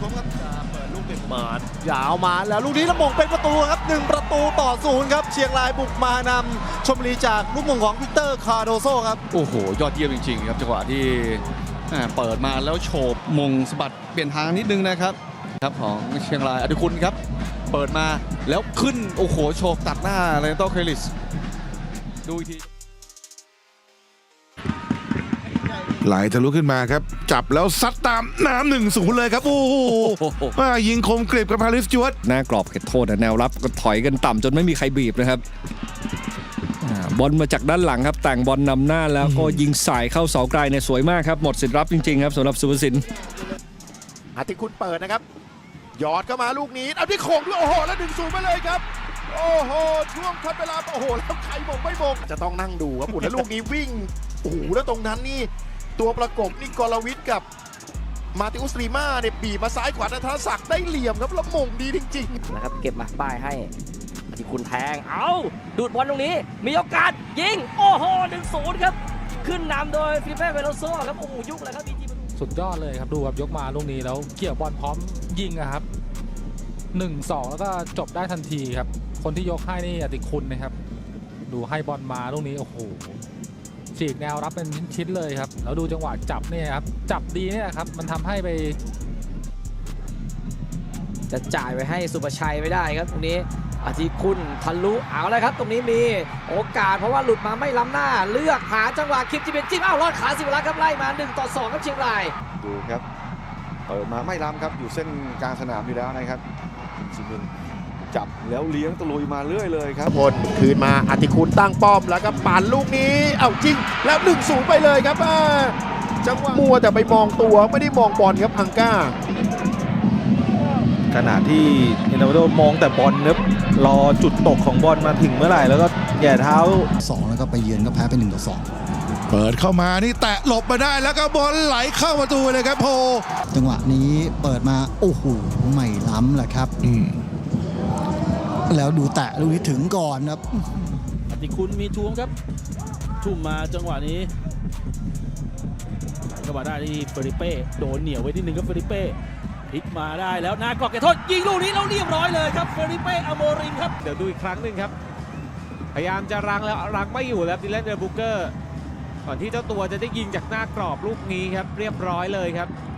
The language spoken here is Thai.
มครับจะเปิดลูกเด็กมายาวมาแล้วลูกนี้ละมงเป็นประตูครับ1-0ครับเชียงรายบุกมานำชลบุรีจากลูกมงของวิกเตอร์คาร์โดโซครับโอ้โหยอดเยี่ยมจริงๆครับจังหวะที่เปิดมาแล้วโฉบมงสะบัดเปลี่ยนทางนิดนึงนะครับของเชียงรายอดิคุณครับเปิดมาแล้วขึ้นโอ้โหโฉบตัดหน้าเลนโตเคลิสดูอีกทีไหลทะลุขึ้นมาครับจับแล้วซัดตามน้ำ1-0เลยครับโอ้โหยิงคมกริบกับฮาริสจวตหน้ากรอบเขตโทษแนวรับก็ถอยกันต่ำจนไม่มีใครบีบนะครับบอลมาจากด้านหลังครับแต่งบอลนำหน้าแล้วก็ยิงสายเข้าเสาไกลเนี่ยสวยมากครับหมดสิทธิ์รับจริงๆครับสำหรับสุภสินอาทิคุณเปิดนะครับหยอดเข้ามาลูกนี้เอาที่โค้งด้วยโอ้โหแล้ว1-0ไปเลยครับโอ้โหช่วงทดเวลาโอ้โหแล้วใครมงไม่มงจะต้องนั่งดูครับแล้วลูกนี้วิ่งโอ้โหแล้วตรงนั้นนี่ตัวประกบนี่กรวิทย์กับมาติอุสลีมาเนี่ยบีบมาซ้ายขวาธนศักดิ์ได้เหลี่ยมครับแล้วมงดีจริงๆนะครับเก็บมาป้ายให้ที่คุณแทงเอาดูดบอลตรงนี้มีโอกาสยิงโอ้โห1-0ครับขึ้นนำโดยฟิลิเป้เวโลโซครับโอ้โหยุคเลยครับสุดยอดเลยครับดูครับยกมาลูกนี้แล้วเกี่ยวบอลพร้อมยิงครับ1-2แล้วก็จบได้ทันทีครับคนที่ยกให้นี่อติคุณนะครับดูให้บอลมาลูกนี้โอ้โหฉีกแนวรับเป็นชิ้นๆเลยครับแล้วดูจังหวะจับเนี่ยครับจับดีเนี่ยครับมันทำให้ไปจะจ่ายไปให้สุภชัยไม่ได้ครับตรงนี้อาทิคุณทะลุเอาเลยครับตรงนี้มีโอกาสเพราะว่าหลุดมาไม่ล้ำหน้าเลือกหาจังหวะคลิปที่เป็นจิ้มอ้าวรอดขาสิวรักษ์ครับไล่มา1-2ครับเชียงรายดูครับเปิดมาไม่ล้ำครับอยู่เส้นกลางสนามอยู่แล้วนะครับจิมินจับแล้วเลี้ยงตะลุยมาเรื่อยเลยครับพลคืนมาอาทิคุณตั้งป้อมแล้วก็ปั่นลูกนี้เอาจริงแล้ว1-0ไปเลยครับจังหวะมัวแต่ไปมองตัวไม่ได้มองบอลครับอังก้าขณะที่เอเนโดมองแต่บอลเนบรอจุดตกของบอลมาถึงเมื่อไหร่แล้วก็แย่เท้า 2แล้วก็ไปเยือนก็แพ้ไป1-2 เปิดเข้ามานี่แตะหลบมาได้แล้วก็บอลไหลเข้าประตูเลยครับโพจังหวะนี้เปิดมาโอ้โหไม่ล้ำแหละครับแล้วดูแตะลูกนี้ถึงก่อนครับอติคุณมีทุ่มครับทุ่มมาจังหวะนี้จังหวะได้ที่เฟริเป้โดนเหนียวไว้ที่หนึ่งครับเฟริเป้พลิกมาได้แล้วหน้ากรอบเขตโทษยิงลูกนี้แล้วเรียบร้อยเลยครับเฟริเป้อโมริมครับเดี๋ยวดูอีกครั้งหนึ่งครับพยายามจะรังแล้วรังไม่อยู่แล้วดิแลนเดอร์บุกเกอร์ก่อนที่เจ้าตัวจะได้ยิงจากหน้ากรอบลูกนี้ครับเรียบร้อยเลยครับ